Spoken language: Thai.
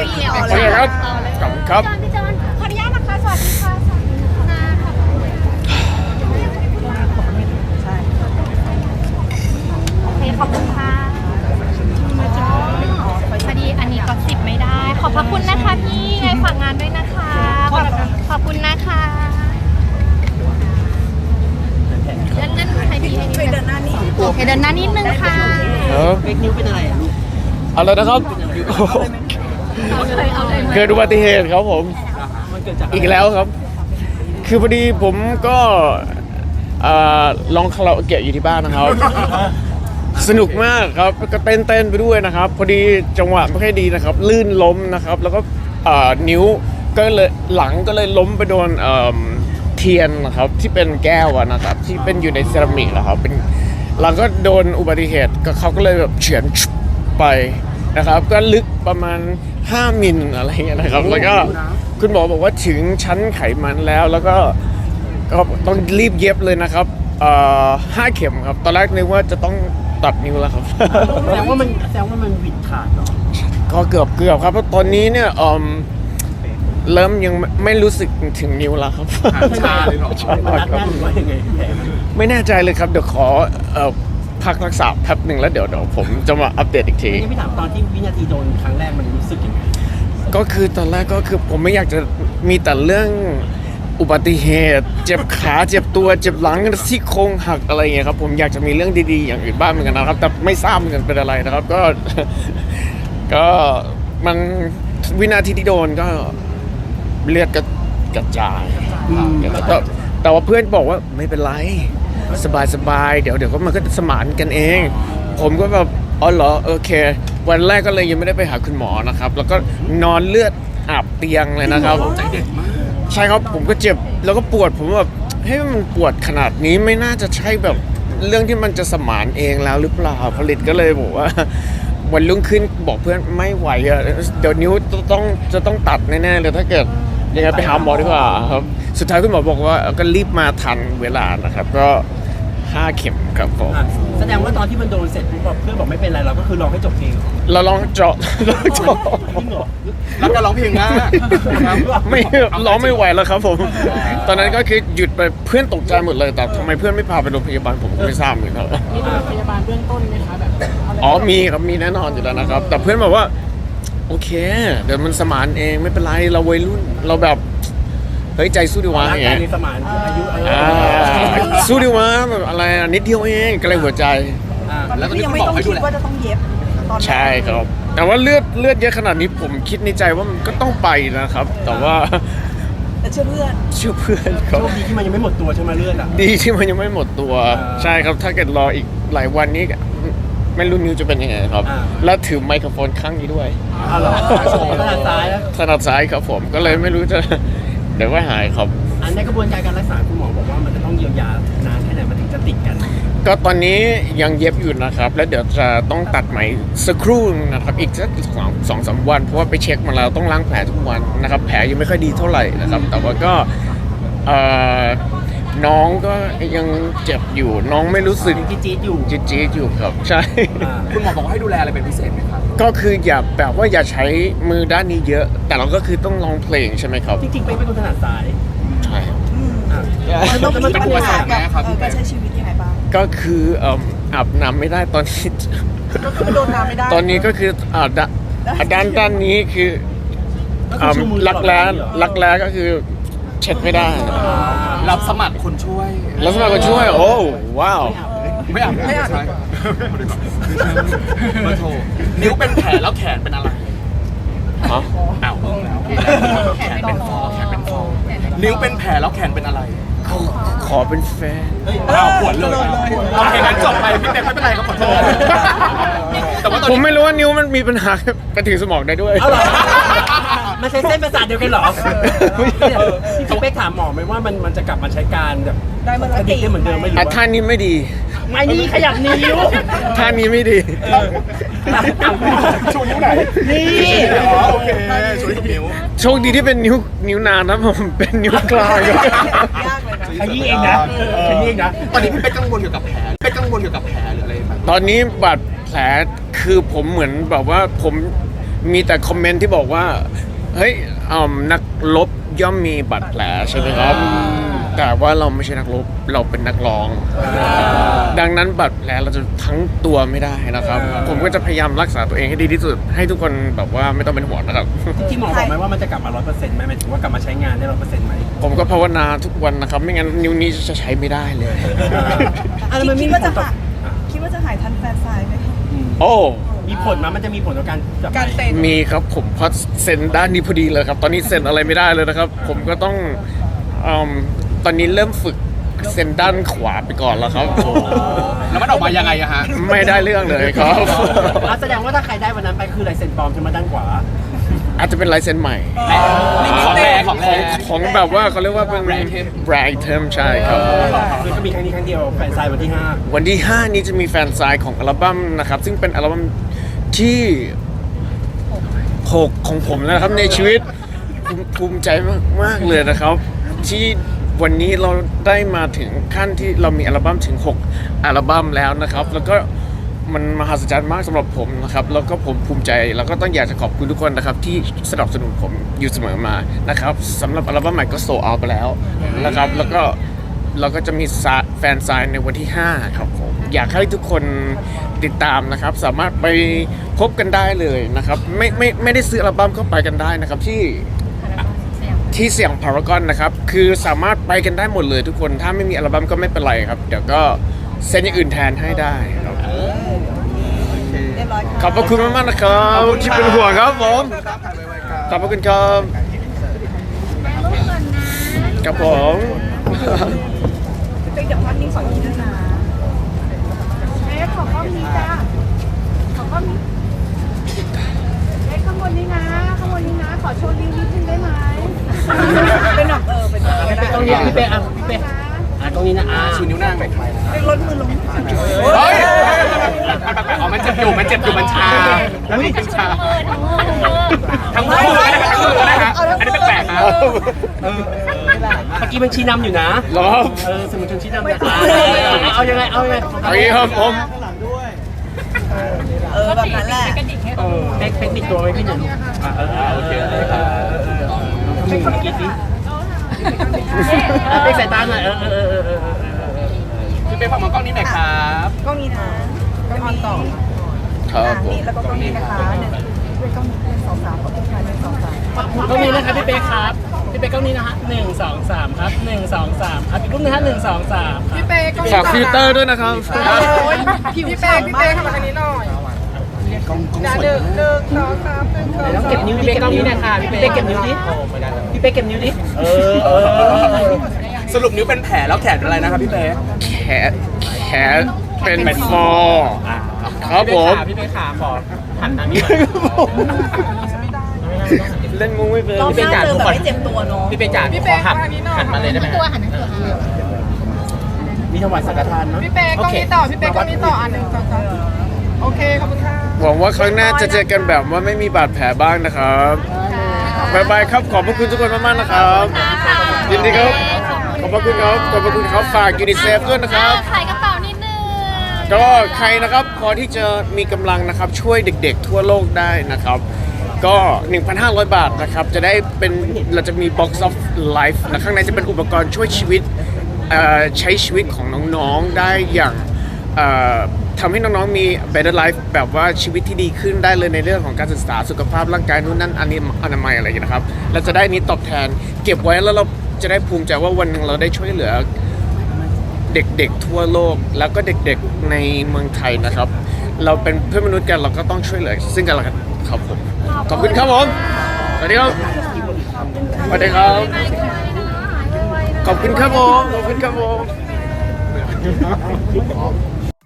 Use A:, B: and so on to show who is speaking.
A: พี่เอา
B: โอ
A: เล
B: เค
A: ย
B: ครับขอบคุณครับ
C: พี่จอนขออนุญาตนะคะสวัสดีค่ะสวัสดีค่ะโอเคขอบคุณค่ะพอดีอันนี้ก็10ไม่ได้ ขอบพระคุณนะคะพี่ไงฝากงานด้วยนะคะขอบคุณนะคะเดินให้พี่ให้นิดนึง
A: เดินหน้านี่
C: โอเคเดินหน้านิดนึงค่ะ
B: ครับ
D: เฟกนิ้วเป็นอะไรอ่ะลูก
B: อะไรนะครับ
C: เอาเลย
B: เกิดอุบัติเหตุครับผม
D: มันเกิดจาก
B: อีกแล้วครับ คือพอดีผมก็ลองคาราโอเกะอยู่ที่บ้านนะครับ สนุกมากครับก็เต้นไปด้วยนะครับ พอดีจังหวะไม่ค่อยดีนะครับ ลื่นล้มนะครับ แล้วก็นิ้วก็เลยหลังก็เลยล้มไปโดนเทียนนะครับที่เป็นแก้วอะนะครับที่เป็นอยู่ในเซรามิกนะครับเป็นหลังก็โดนอุบัติเหตุก็เขาก็เลยแบบเฉือนไปนะครับ ก็ลึกประมาณ5 มิลอะไรเงี้ยนะครับ แล้วก็คุณหมอบอกว่าถึงชั้นไขมันแล้วก็ต้องรีบเย็บเลยนะครับ5 เข็มครับตอนแรกนึกว่าจะต้องตัดนิ้วแล้วครับ
D: แสดงว่ามันหวิดขาดเนาะ
B: ก็เกือบครับเพราะตอนนี้เนี่ยเริ่มยังไม่รู้สึกถึงนิ้วแล้วครับ
E: ชาเลยเหรอ
B: ใช่
D: มัน
B: ค
D: รั
B: รั
D: ดแน่นหรือว่ายังไงแผลมัน
B: ไม่แน่ใจเลยครับเดี๋ยวขอพักรักษาแป๊บหนึ่งแล้วเดี๋ยวผมจะมาอัปเดตอีกที
D: นี่พี่ถามตอนที่วินาทีโดนครั้งแรกมันรู้สึกยังไง
B: ก็คือตอนแรกก็คือผมไม่อยากจะมีแต่เรื่องอุบัติเหตุเจ็บขาเจ็บตัวเจ็บหลังซี่โครงหักอะไรอย่างเงี้ยครับผมอยากจะมีเรื่องดีๆอย่างอื่นบ้างเหมือนกันนะครับแต่ไม่ทราบเหมือนกันเป็นอะไรนะครับก็ ก็มันวินาทีที่โดนก็เลือดก็กระจายแต่ว่าเพื่อนบอกว่าไม่เป็นไรสบายเดี๋ยวก็มันก็สมานกันเอง ผมก็แบบอ๋อเหรอโอเค วันแรกก็เลยยังไม่ได้ไปหาคุณหมอนะครับ แล้วก็นอนเลือดอาบเตียงเลยนะครับ
E: ใจเด็ดมาก
B: ใช่ครับผมก็เจ็บแล้วก็ปวดผมแบบเฮ้ยมันปวดขนาดนี้ไม่น่าจะใช่แบบเรื่องที่มันจะสมานเองแล้วหรือเปล่าผลิตก็เลยบอกว่า วันรุ่งขึ้นบอกเพื่อนไม่ไหวอะเดี๋ยวนิ้วจะต้องตัดแน่ๆเลยถ้าเกิดยังไงไปหาหมอดีกว่าครับสุดท้ายคุณหมอบอกว่าก็รีบมาทันเวลานะครับก็5 เข็มครับผม
D: อ่ะแสดงว่าตอนที่มันโดนเสร็จปุ๊บแบบเพื่อนบอกไม่เป็นไรเราก็คือลองให้จบเพลง
B: เราลองเจาะ
D: จริงเหรอ
E: แล้วก็ร้องเพลงมาก
B: ไม่ร้องไม่ไหวแล้วครับผม ตอนนั้นก็คือหยุดไปเพื่อนตกใจหมดเลยแต่ทำไมเพื่อนไม่พาไปโรงพยาบาลผมก็ไม่ทราบเหมือนกันครับ
D: มีพยาบาลเบื้องต้นไหมคะแบบ
B: อ๋อมีครับมีแน่นอนอยู่แล้วนะครับ แต่เพื่อนบอกว่าโอเค เดี๋ยวมันสมานเองไม่เป็นไรเราวัยรุ่นเราแบบเฮ้ยใจสู้ดีวะ
D: ร่าง
B: อย่าง
D: กาย
B: เงี้ย
D: ในสมานอายุ
B: สู้ดีวะแบบอะไรอะนิดเดียวเองก็เลยหัวใจ
E: แล้วตอน
A: พี่
E: นี้
A: ยัง
E: คุณ
A: ไม่
E: หมอ
A: ต้อง
E: ให้ดู
A: คิด
E: แล
A: ว่าจะต้องเย็บตอนนั้น
B: ใช่ครับ แต่ว่าเลือดเยอะขนาดนี้ผมคิดในใจว่ามันก็ต้องไปนะครับ แต่ว่า
A: แต่เชื่อเพื่อน
B: เชื่อเพื่อนครับ
D: โชคดีที่มันยังไม่หมดตัวใช่ไหมเลือดอ่ะ
B: ดีที่มันยังไม่หมดตัว ใช่ครับถ้าเกิดรออีกหลายวันนี้ไม่รู้นิวจะเป็นยังไงครับ และถือไมโครโฟนข้างนี้ด้วย
D: อ๋อเหรอขนาดซ้ายแล้ว
B: ถนัดซ้ายครับผมก็เลยไม่รู้จะ เดี๋ยวก็หายครับ
D: อันในกระบวนการการรักษาคุณหมอบอกว่ามันจะต้องเยียวยานานแค่ไหนมันถึงจะติดกัน
B: ก็ตอนนี้ยังเย็บอยู่นะครับ แล้วเดี๋ยวจะต้องตัดไหมสักครู่นะครับอีกสัก2-3 วันเพราะว่าไปเช็คมาแล้วต้องล้างแผลทุกวันนะครับ แผลยังไม่ค่อยดีเท่าไหร่นะครับ แต่ว่าก็น้องก็ยังเจ็บอยู่น้องไม่รู้สึก
D: ยังจี๊ดๆอยู่
B: จี๊ดๆอยู่ครับใช่
E: คุณหมอบอกว่าให้ดูแลอะไรเป็นพิเศษไหมครับ
B: ก็คืออย่าแบบว่าอย่าใช้มือด้านนี้เยอะ แต่เราก็คือต้องร้องเพลงใช่ไหมครับ
D: จริงๆเป็นคนถนัดซ้าย
B: ใช่ครับ
A: มันต้องมี
E: เป็น
A: ปัญ
E: อุปส
A: หาร
E: รคไหม
A: กับ
E: ครับพี่แบ
A: การ
E: งค์
A: ใช้ชีวิตยังไงบ้าง
B: ก็คืออาบน้ำไม่ได้ตอนนี้
A: ก็คือโดนน้ำไม่ได้
B: ตอนนี้ก็คือด้านนี้คือ
D: ก็คือชูมือตลอดเวลาเหรอ
B: รักแร้ก็คือเช็ดไม่ได้
E: รับสมัครคนช่วย
B: แล้วสมัครคนช่วยโอ้ว้าว
E: ไม่อ่านไม่ใช่มาโทรนิ้วเป็นแผลแล้วแขนเป็นอะไร
B: ฮะ
E: อ้าวแล้วแขนเป็นฟอแขนเป็นฟอนิ้วเป็นแผลแล้วแขนเป็นอะไร
B: ขอเป็นแฟน
E: อ้าวปวดเลยโอเคงั้นจบไปพี่เป๊กไม่เป็นไรครับขอโทษแต่ว่าตอน
B: ผม
E: นี้
B: ไม่รู้ว่านิ้วมันมีปัญหาไปถึงสมองได้ด้วย
D: เอาเหรอมันใช้เส้นประสาทเดียวกันเหรอพี่เป๊กถามหมอไหมว่ามันจะกลับมาใช้การแบบ
A: ได้เมื่อไหร่
D: กระดิกได้เหมือนเดิมไหมหรือ
B: อ่ะ
D: ว่า
B: ท่านี้ไม่ดี
D: ไม่นี่ขยับนิ้ว
B: ท่านี้ไม่ดี
E: ชูนิ้วไหน
D: นี่
E: อ๋อโอเคชูนิ้ว
B: โชคดีที่เป็นนิ้วนางนะผมเป็นนิ้วกลาง
A: ยากเลยนะ
D: ขยี้เองนะขยี้เองนะ
E: ตอนนี้พี่เป๊กกังวลเกี่ยวกับแผลเป๊กกังวลเกี่ยวกับแผลหรืออะไรไหม
B: ตอนนี้บาดแผลคือผมเหมือนแบบว่าผมมีแต่คอมเมนต์ที่บอกว่าเฮ้ยนักรบย่อมมีบาดแผลใช่ไหมครับแต่ว่าเราไม่ใช่นักรบเราเป็นนักร้อง ดังนั้นบาดแผลเราจะทั้งตัวไม่ได้นะครับ ผมก็จะพยายามรักษาตัวเองให้ดีที่สุดให้ทุกคนแบบว่าไม่ต้องเป็นห่วงนะครับ
D: ที่หมอบอกไหมว่ามันจะกลับมา 100%ไหมหมายถึงว่ากลับมาใช้งานได้ 100% ไหม
B: ผมก็ภาวนาทุกวันนะครับ ไม่งั้นนิ้วนี้จะใช้ไม่ได้เลย
A: คิดว่าจะหายทันแฟนสายไหม
B: โอ้
D: มีผลมั้ยมันจะมีผลต่อการจับ
A: การเต้น
B: มีครับผมเพราะเซ็นด้านนี้พอดีเลยครับ ตอนนี้เซ็นอะไรไม่ได้เลยนะครับ ผมก็ต้องตอนนี้เริ่มฝึกเซ็นด้านขวาไปก่อนแล้วครับ
E: แล้วมันออกมายังไงอะฮะ
B: ไม่ได้เรื่องเลยครับ
D: แสดงว่าถ้าใครได้วันนั้นไปคือลายเซ็นปลอมใช่ไหมด้านขวา
B: อาจจะเป็นลายเซ็นใหม่
E: ของแรงของแรง
B: ของแบบว่าเขาเรียกว่าเป็นแบรนด์ไอเทมใช่ครับ
D: คือก็มีครั้งนี้ครั้งเดียวแฟนไซน์วันที่
B: วันที่ 5 นี้จะมีแฟนไซน์ของอัลบั้มนะครับ ซึ่งเป็นอัลบั้มที่ 6 ของผมนะครับในชีวิตภูมิใจมากๆเลยนะครับ ที่วันนี้เราได้มาถึงขั้นที่เรามีอัลบั้มถึง 6 อัลบั้มแล้วนะครับ แล้วก็มันมหัศจรรย์มากสำหรับผมนะครับแล้วก็ผมภูมิใจแล้วก็ต้องอยากจะขอบคุณทุกคนนะครับที่สนับสนุนผมอยู่เสมอมานะครับสำหรับอัลบั้มใหม่ก็โซลเอาท์ไปแล้วนะครับแล้วก็เราก็จะมีแฟนไซน์ในวันที่ 5 ครับผมอยากให้ทุกคนติดตามนะครับสามารถไปพบกันได้เลยนะครับไม่ได้ซื้ออัลบั้มก็ไปกันได้นะครับที่เสี่ยงพารากอนนะครับคือสามารถไปกันได้หมดเลยทุกคนถ้าไม่มีอัลบั้มก็ไม่เป็นไรครับเดี๋ยวก็เซ็นอย่างอื่นแทนให้ได้ครับ
A: เรียบร้อยค่ะ
B: ขอบพระคุณมากๆนะครับที่เป็นห่วงครับผมขอบพระคุณครับครับผม
A: เป็นเดี๋ยวพักนี้ขออีกด้วยนะ
C: ขอข้อมีจ้าขอข้อมีข้างบนนี้นะข้างบนนี้นะขอโชว์ลิ้นนิดนึงได้ไหม
A: เป็นแบบเป็นแบบ
D: 5ตรงนี้พี่เป้พี่เป้ตรงนี้นะ
E: ชูนิ้วนางไป
A: เป็นรถมือลง
E: เฮ้ยอ๋อมันเจ็บอยู่มันชาแล้วนี่ชาทั้งมือนะครับอันนี้แปลกๆนะ
D: เมื่อกี้มันชี้นำอยู่นะ
B: รอ
D: สมุนชนชี้นำนะเอายังไงเอายังไง
B: ครับผม
A: แบบนั้นแหละ
D: เทคนิคตัวไว้พี่หนึ่งโอเคเป็นคนกี่สิเป็นสายตาหน่อย
E: พี่เป้ฟังมองกล้องนี้หน่อยครับ
A: กล้องนี้นะกล้องนี้ต่อ
B: ครับผม
A: นี่แล้วก็กล้องนี้นะคะ1ด้วยกล้องนี้2 3ก็เป็นการ1 2 3
D: กล้องนี้นะครับพี่เป้ครับพี่เป้กล้องนี้นะฮะ1 2 3ครับ1 2 3ครับอีกรูปนึงฮะ1 2 3
A: พี่เป้กล้อง
B: ฝากฟิลเตอร์ด้วยนะครับ
A: พี่เป้เข้ามาทางนี้หน่อย1 2 3 1 2 3
D: ต้องเก็บนิ้วพี่เป้กล้องนี้นะคะพี่เป้เก็บนิ้วดิพี่เป้เก็บนิ้วดิ
E: สรุปนิ้วเป็นแผลแล้วแขนเป็นอะไรนะครับพี่เป้
B: แขนเป็นฟอร์ครับผม
D: พี่เป้ขาขอหันทางนี้
B: เล่นมุ้งไม่เป็น
A: รอบหน้าเจอแบบไม่เจ็บตัวเนาะ
D: พี่เป้จ๋าขอหันมาเลยได้ไหม
C: ตัวหันตัว
D: มีถวายสังฆทานเนาะ
A: พี่เป้กล้องนี้ต่อพี่เป้กล้องนี้ต่อ1 2 3โอเคขอบคุณค่ะ
B: หวังว่าครั้งหน้าจะเจอกันแบบว่าไม่มีบาดแผลบ้างนะครับบ๊ายบายครับขอบพระคุณทุกคนมากๆนะครับยินดีครับขอบพระคุณครับขอบพระคุณครับฝากยูนิเซฟด้วยนะครับ
C: ขายกระเป๋านิดนึง
B: ก็ใครนะครับพอที่จะมีกำลังนะครับช่วยเด็กๆทั่วโลกได้นะครับก็ 1,500 บาทนะครับจะได้เป็นเราจะมี Box of Life นะข้างในจะเป็นอุปกรณ์ช่วยชีวิตใช้ชีวิตของน้องๆได้อย่างทำให้น้องๆมี better life แบบว่าชีวิตที่ดีขึ้นได้เลยในเรื่องของการศึกษาสุขภาพร่างกายนู่นนั่นอันนี้อนามัยอะไรอย่างนี้นะครับเราจะได้นี้ตอบแทนเก็บไว้แล้วเราจะได้ภูมิใจว่าวันหนึ่งเราได้ช่วยเหลือเด็กๆทั่วโลกแล้วก็เด็กๆในเมืองไทยนะครับเราเป็นเพื่อนมนุษย์กันเราก็ต้องช่วยเหลือซึ่งกันและกันครับผมขอบคุณครับผมสวัสดีครับสวัสดีครับขอบคุณครับผมขอบคุณครับผม